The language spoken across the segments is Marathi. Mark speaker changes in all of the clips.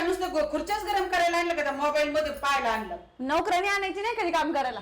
Speaker 1: नुसतं खुर्च्याच गरम करायला आणलं का मोबाईल मध्ये पाहायला आणलं?
Speaker 2: नोकरांनी आणायची नाही कधी काम करायला.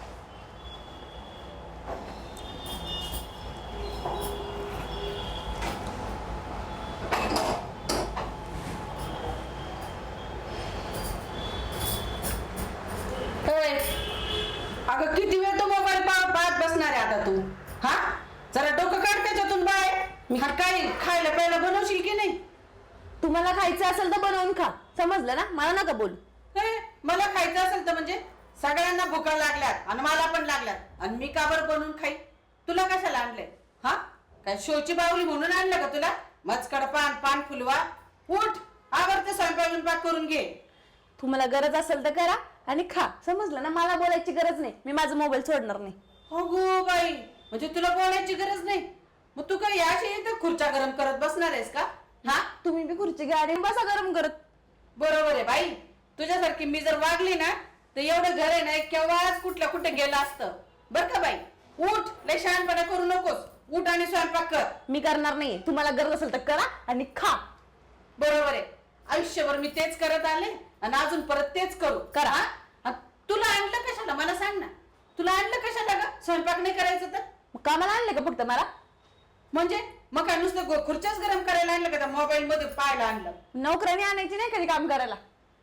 Speaker 1: अगं किती वेळ तो मोबाईल पाहत बसणार आहे आता तू? हा, जरा डोकं काढ त्याच्यातून बाहेर. मी काय खायला प्यायला बनवशील की नाही?
Speaker 2: तुम्हाला खायचं असेल तर बनवून खा, समजलं ना? मला नका बोल.
Speaker 1: मला खायचं असेल तर म्हणजे सगळ्यांना भुका लागल्यात आणि मला पण लागल्यात आणि मी का बरं बनवून खाई? तुला कशाला आणलंय? हा, काय शोची बावली म्हणून आणलं का तुला? मचकड पान फुलवा. उठ, आवडते स्वयंपाक करून घे.
Speaker 2: तुम्हाला गरज असेल तर करा आणि खा, समजलं ना? मला बोलायची गरज नाही, मी माझा मोबाईल सोडणार नाही.
Speaker 1: हो गो बाई, म्हणजे तुला बोलायची गरज नाही? मग तू काय याशी इथं खुर्च्या गरम करत बसणार आहेस का? हा,
Speaker 2: तुम्ही बी खुर्ची घ्या आणि बसा गरम करत.
Speaker 1: बरोबर आहे बाई. तुझ्यासारखी मी जर वागली ना तर एवढं घर आहे ना केव्हाच कुठे गेलं असतं. बर का बाई? उठ, लय शहाणपणा करू नकोस. उठ आणि स्वयंपाक कर.
Speaker 2: मी करणार नाही. तुम्हाला गरज असेल तर करा आणि खा.
Speaker 1: बरोबर आहे. आयुष्यभर मी तेच करत आले आणि अजून परत तेच करू.
Speaker 2: करा.
Speaker 1: तुला आणलं कशाला मला सांग ना? तुला आणलं कशाला ग? स्वयंपाक नाही करायचं तर
Speaker 2: कामाला आणले का फक्त मला?
Speaker 1: म्हणजे मग काय नुसतं खुर्च्याच गरम करायला आणलं का मोबाईल मध्ये पाहायला आणलं?
Speaker 2: नोकरांनी आणायची नाही कधी काम करायला.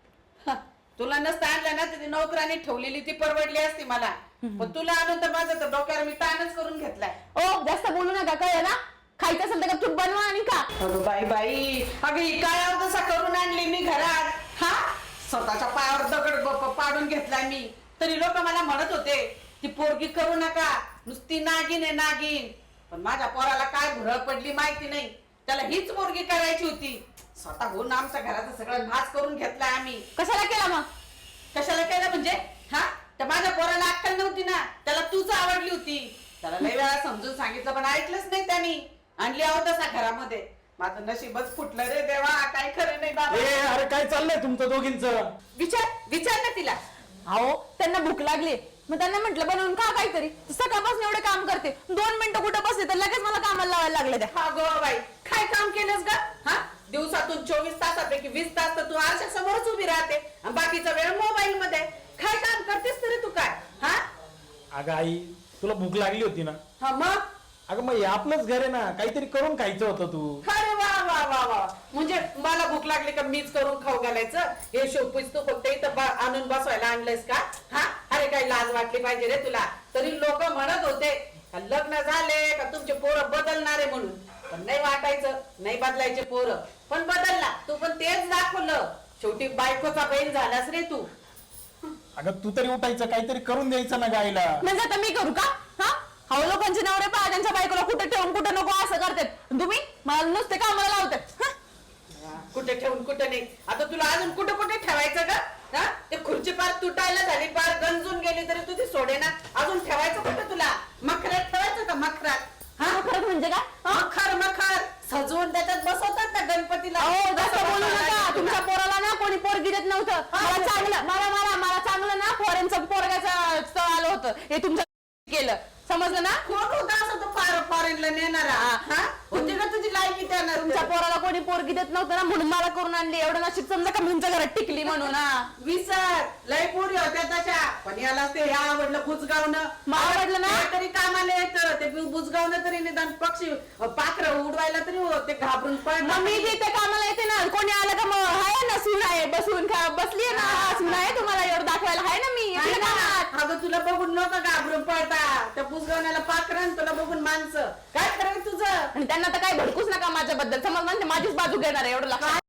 Speaker 1: तुला नसतं आणलं ना तर ती नोकरांनी ठेवलेली ती परवडली असती मला. पण तुला आणून तर माझं तर डोक्यावर मी ताणच करून घेतलाय.
Speaker 2: ओ, जास्त बोलू नका, कळलं ना? खायचं असेल तर गपचूप बनवा आणि खा.
Speaker 1: अगं बाई, अगं ही काय अवदसा करून आणली मी घरात? हा, स्वतःच्या पायावर दगड पाडून घेतलाय मी. तरी लोक मला म्हणत होते ती पोरगी करू नका, नुसती नागिन आहे नागिन. पण माझ्या पोराला काय भुरळ पडली माहिती नाही. त्याला हीच पोरगी करायची होती. स्वतः होऊन आमच्या घराचा सगळं नाश करून घेतलाय आम्ही.
Speaker 2: कशाला केला मग?
Speaker 1: कशाला केलं म्हणजे? हा, तर माझ्या पोराला अक्कल नव्हती ना, त्याला तूच आवडली होती. त्याला लय वेळा समजून सांगितलं पण ऐकलंच नाही त्यांनी. आणली अवदसा घरामध्ये. माझं नशीबच फुटलं रे देवा, काय खरं नाही बाबा.
Speaker 3: अरे काय चाललंय तुमचं दोघींचं?
Speaker 1: विचार ना तिला.
Speaker 2: अहो, त्यांना भूक लागली, मग त्यांना म्हटलं बनवून खा काहीतरी. सकाळपासून एवढे काम करते, 2 मिनिटं कुठं बसले तर लगेच मला कामाला लावायला लागले त्या.
Speaker 1: हा गो बाई, काय काम केलंस ग? हा, दिवसातून 24 तासापैकी 20 तास तर तू आरशा समोरच उभी राहते आणि बाकीचा वेळ मोबाईल मध्ये. काय काम करतेस तरी तू काय? हा,
Speaker 3: अगं आई, तुला भूक लागली होती ना?
Speaker 1: हा मग?
Speaker 3: अगं मग हे आपलंच घर आहे ना, काहीतरी करून खायचं होतं तू.
Speaker 1: अरे वा वा वा वा, म्हणजे मला भूक लागली का मीच करून खाऊ घालायचं? हे शोपीस तू फक्त इथं आणून बसवायला आणलंयस का? हा, अरे काय लाज वाटली पाहिजे रे तुला. तरी लोक म्हणत होते का लग्न झाले का तुमचे पोरं बदलणारे म्हणून. पण नाही वाटायचं, नाही बदलायचे पोरं. पण बदलला तू, पण तेच दाखवलं. शेवटी बायकोचा बहीण झालास रे तू.
Speaker 3: अगं तू तरी उठायचं, काहीतरी करून द्यायचं ना गाईला.
Speaker 2: म्हणजे आता मी करू का? हा, हवं लोकांचे नवरे पहा त्यांच्या बायकोला कुठे ठेवून कुठे नको असं करतात. तुम्ही मला नुसते कामाला लावतात.
Speaker 1: कुठे ठेवून कुठे नाही. आता तुला अजून कुठे कुठे ठेवायचं का? हा, ते खुर्ची पार तुटायला झाली, पार गंजून गेली तरी तुझी सोडे ना. अजून ठेवायचं कुठे तुला? मखरात ठेवायचं का? मखरात? हा,
Speaker 2: खरंच म्हणजे का?
Speaker 1: मखर सजवून त्याच्यात बसवतात ना गणपतीला.
Speaker 2: अहो, जास्त बोलू नका. तुमच्या पोराला ना कोणी पोरगी देत नव्हतं. मला चांगलं ना फॉरेनचं पोरगाचं स्थळ आलं होतं. हे तुमचं केलं, समजलं ना?
Speaker 1: कोण होता असं तो फॉरेनला नेणारा? हा, होती का तुझी लायकी त्यांना?
Speaker 2: तुमच्या पोराला कोणी पोरगी देत नव्हतं ना, म्हणून मला करून आणली. एवढं नशीब समजा का तुमच्या घरात टिकली म्हणून.
Speaker 1: विसर, लय पोरी होत्या तशा. पण याला ते हे आवडलं बुजगावणं.
Speaker 2: मला आवडलं ना?
Speaker 1: तरी कामाला येतं ते बुजगावणं. तरी निदान पक्षी पाखरं उडवायला तरी ते घाबरून
Speaker 2: मग मी जिथे कामाला येते ना, कोणी आलं का मग आहे ना सून आहे बसून बसली ना. सून आहे तुम्हाला एवढं दाखवायला, आहे ना मी.
Speaker 1: अगं तुला बघून लोक घाबरून पडता. त्या बुजगावण्याला पाखरं, तुला बघून माणसं. काय खरं तुझं?
Speaker 2: आणि त्यांना तर काही भडकूच नका माझ्याबद्दल, समज म्हणजे माझीच बाजू घेणार आहे एवढं लक्षात.